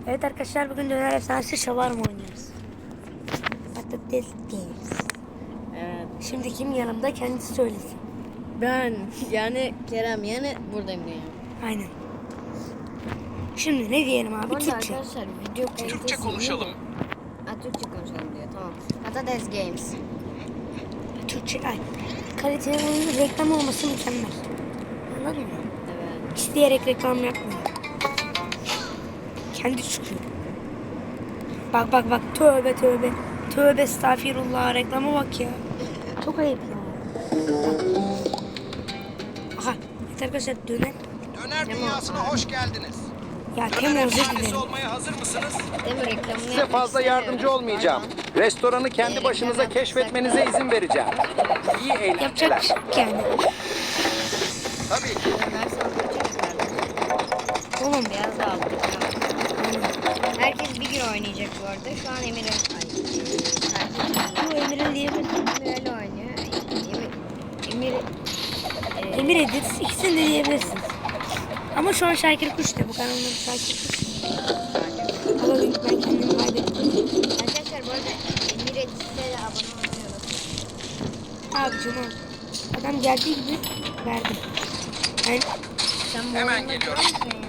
Evet arkadaşlar, bugün Döner Efsanesi Şavarma oynuyoruz. Patates diyoruz. Evet. Şimdi kim yanımda, kendisi söylesin. Ben yani Kerem yani buradayım diyor. Aynen. Şimdi ne diyelim abi? Bu arada Türkçe. arkadaşlar video kalitesi Türkçe konuşalım. iyi mi? Ha, Türkçe konuşalım diyor, tamam. Patates Games. Türkçe. Ay. Kaliteli oyunun reklam olması mükemmel. Anladın mı? Evet. İsteyerek reklam yapmıyor. Kendi çıkıyor. Bak bak bak, tövbe tövbe. Tövbe estağfirullah, reklama bak ya. Çok ayıp ya. Aha. Evet arkadaşlar, döner. Döner dünyasına hoş geldiniz. Ya Döner Kemal özür efsanesi dilerim. olmaya hazır mısınız? Değil mi, reklamını Size yapmak fazla yardımcı istemiyorum. olmayacağım. Restoranı kendi başınıza keşfetmenize izin vereceğim. İyi Yapacak bir şey eğlenceler. yok yani. Tabii ki. Ömer sandviçi çıkardı. Oğlum Beyaz da aldı. Herkes bir gün oynayacak bu arada. Şu an Emir'e bu Emir'in diyebilir. Emir öyle oynuyor. Emir Emir Edit, ikisini de diyebilirsiniz. Ama şu an Şakir Kuş da, bu kanalın adı Şakir Kuş. Ama ben kendimi kaybettim. Arkadaşlar bu arada Emir Edit'e de abone olmayı unutmayın. Abicim al. Adam geldiği gibi verdim. Ben Sen bu Hemen oyunda geliyorum. var mısın ya?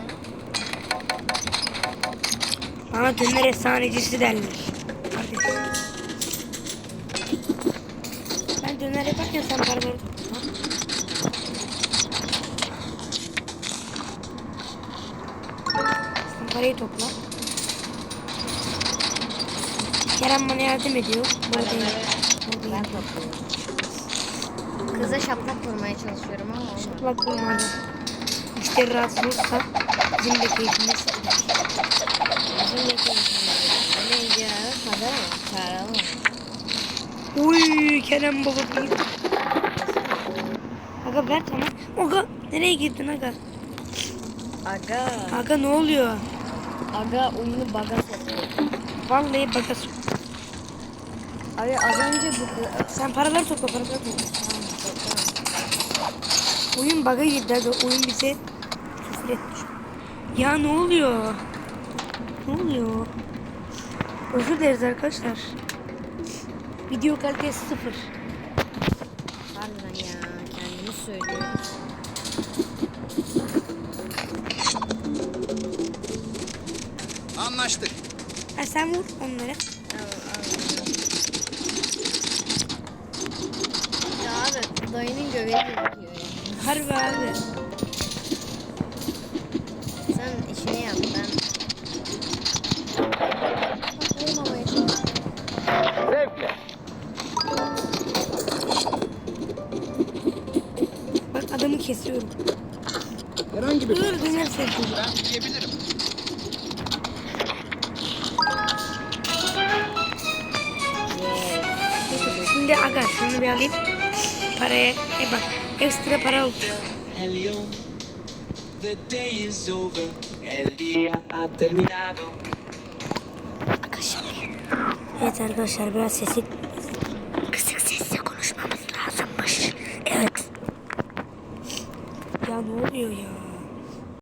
bana döner efsanecisi derler. Kardeşim. Ben döner yaparken sen paraları tutma. Sen parayı topla. Kerem bana yardım ediyor. Buradayım. Ben topluyorum. Kıza şaplak vurmaya çalışıyorum ama olmadı. Şaplak vurmadı. Müşteri rahatsız olursa bizim de keyfimiz sıkılır. Bizim de konuşmamız. Ne neydi ya? Para mı? Para mı? Uy Kerem baba değil. Aga ver tamam. Aga nereye girdin aga? Aga. Aga ne oluyor? Aga oyunu baga soktu. Vallahi baga sok. Abi az önce bu... Sen paraları topla, paraları topla. Oyun baga girdi aga. Oyun bize küfür etmiş. Ya ne oluyor? Ne oluyor? Özür dileriz arkadaşlar. Video kalitesi 0. Harbiden ya. Kendimi söylüyorum. Anlaştık. Ha sen vur onları. Ya abi dayının göbeği gözüküyor ya. Harbi abi. Sen işini yap, ben... Vurmamaya çalış. Zevkle. Bak adamı kesiyorum. Herhangi bir Dur döner sevdim. ben yiyebilirim. Şimdi aga şunu bir alayım. Paraya bak ekstra para oldu. Helium, the day is over, el día ha terminado. Evet arkadaşlar, biraz sesi kısık sesle konuşmamız lazımmış. Evet. Ya ne oluyor ya?